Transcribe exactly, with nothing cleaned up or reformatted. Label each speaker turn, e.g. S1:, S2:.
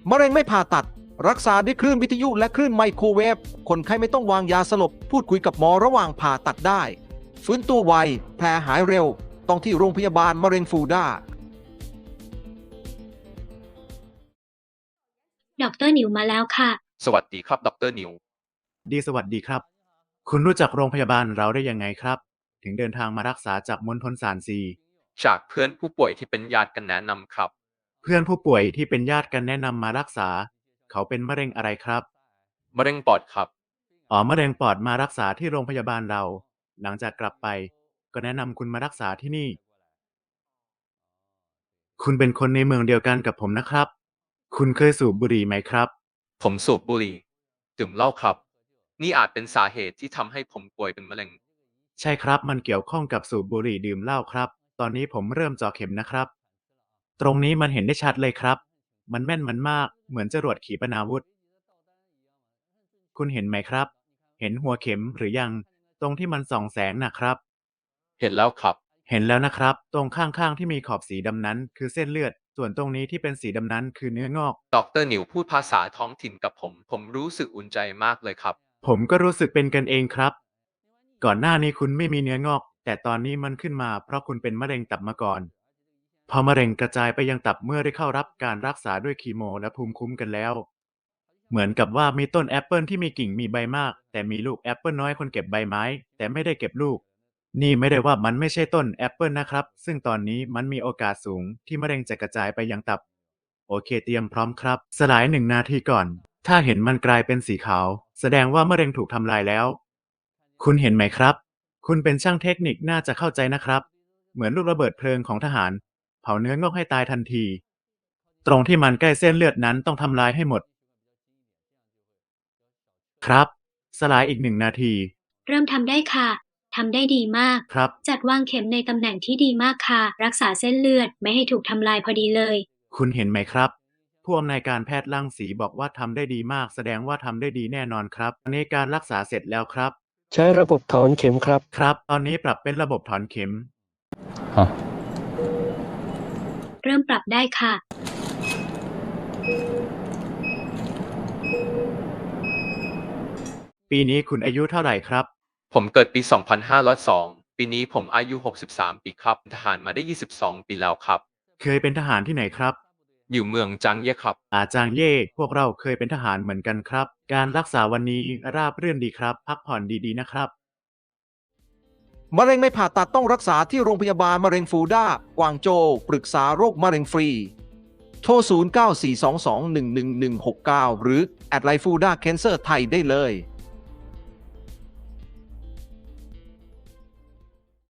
S1: มะเร็งไม่ผ่าตัดรักษาด้วยคลื่นวิทยุและคลื่นไมโครเวฟคนไข้ไม่ต้องวางยาสลบพูดคุยกับหมอระหว่างผ่าตัดได้ฟื้นตัวไวแผลหายเร็วต้องที่โรงพยาบาลมะเร็งฟูด้า
S2: ดอกเตอร์หนิวมาแล้วค่ะ
S3: สวัสดีครับดรนิว
S4: ดีสวัสดีครับคุณรู้จักโรงพยาบาลเราได้ยังไงครับถึงเดินทางมารักษาจากมณฑลซานซี
S3: จากเพื่อนผู้ป่วยที่เป็นญาติกันแนะนำครับ
S4: เพื่อนผู้ป่วยที่เป็นญาติกันแนะนำมารักษาเขาเป็นมะเร็งอะไรครับ
S3: มะเร็งปอดครับ
S4: อ๋อมะเร็งปอดมารักษาที่โรงพยาบาลเราหลังจากกลับไปก็แนะนำคุณมารักษาที่นี่คุณเป็นคนในเมืองเดียวกันกับผมนะครับคุณเคยสูบบุหรี่ไหมครับ
S3: ผมสูบบุหรี่ดื่มเหล้าครับนี่อาจเป็นสาเหตุที่ทำให้ผมป่วยเป็นมะเร็ง
S4: ใช่ครับมันเกี่ยวข้องกับสูบบุหรี่ดื่มเหล้าครับตอนนี้ผมเริ่มเจาะเข็มนะครับตรงนี้มันเห็นได้ชัดเลยครับมันแม่นมันมากเหมือนจรวดขีปนาวุธคุณเห็นไหมครับเห็นหัวเข็มหรือยังตรงที่มันส่องแสงนะครับ
S3: เห็นแล้วครับ
S4: เห็นแล้วนะครับตรงข้างๆที่มีขอบสีดำนั้นคือเส้นเลือดส่วนตรงนี้ที่เป็นสีดำนั้นคือเนื้องอก
S3: ดรนิวพูดภาษาท้องถิ่นกับผมผมรู้สึกอุ่นใจมากเลยครับ
S4: ผมก็รู้สึกเป็นกันเองครับก่อนหน้านี้คุณไม่มีเนื้องอกแต่ตอนนี้มันขึ้นมาเพราะคุณเป็นมะเร็งตับมาก่อนพอมะเร็งกระจายไปยังตับเมื่อได้เข้ารับการรักษาด้วยคีโมและภูมิคุ้มกันแล้วเหมือนกับว่ามีต้นแอปเปิลที่มีกิ่งมีใบมากแต่มีลูกแอปเปิลน้อยคนเก็บใบไม้แต่ไม่ได้เก็บลูกนี่ไม่ได้ว่ามันไม่ใช่ต้นแอปเปิลนะครับซึ่งตอนนี้มันมีโอกาสสูงที่มะเร็งจะกระจายไปยังตับโอเคเตรียมพร้อมครับสลายหนึ่งนาทีก่อนถ้าเห็นมันกลายเป็นสีขาวแสดงว่ามะเร็งถูกทำลายแล้วคุณเห็นไหมครับคุณเป็นช่างเทคนิคน่าจะเข้าใจนะครับเหมือนลูกระเบิดเพลิงของทหารเผาเนื้องอกให้ตายทันทีตรงที่มันใกล้เส้นเลือดนั้นต้องทำลายให้หมดครับสลายอีกหนึ่งนาที
S2: เริ่มทำได้ค่ะทำได้ดีมาก
S4: ครับ
S2: จัดวางเข็มในตำแหน่งที่ดีมากค่ะรักษาเส้นเลือดไม่ให้ถูกทำลายพอดีเลย
S4: คุณเห็นไหมครับผู้อำนวยการแพทย์รังสีบอกว่าทำได้ดีมากแสดงว่าทำได้ดีแน่นอนครับตอนนี้การรักษาเสร็จแล้วครับ
S5: ใช้ระบบถอนเข็มครับ
S4: ครับตอนนี้ปรับเป็นระบบถอนเข็ม
S3: ฮะ
S2: เริ่มปรับได้ค่ะ
S4: ปีนี้คุณอายุเท่าไหร่ครับ
S3: ผมเกิดปีสองพันห้าร้อยสองปีนี้ผมอายุหกสิบสามปีครับทหารมาได้ยี่สิบสองปีแล้วครับ
S4: เคยเป็นทหารที่ไหนครับ
S3: อยู่เมืองจางเย่ครับ
S4: อาจางเย่พวกเราเคยเป็นทหารเหมือนกันครับการรักษาวันนี้ราบรื่นดีครับพักผ่อนดีๆนะครับ
S1: มะเร็งไม่ผ่าตัดต้องรักษาที่โรงพยาบาลมะเร็งฟูด้ากวางโจวปรึกษาโรคมะเร็งฟรีโทรศูนย์ เก้า สี่ สอง สอง หนึ่ง หนึ่ง หนึ่ง หก เก้าหรือแอดไลน์ฟูด้าแคนเซอร์ไทยได้เลย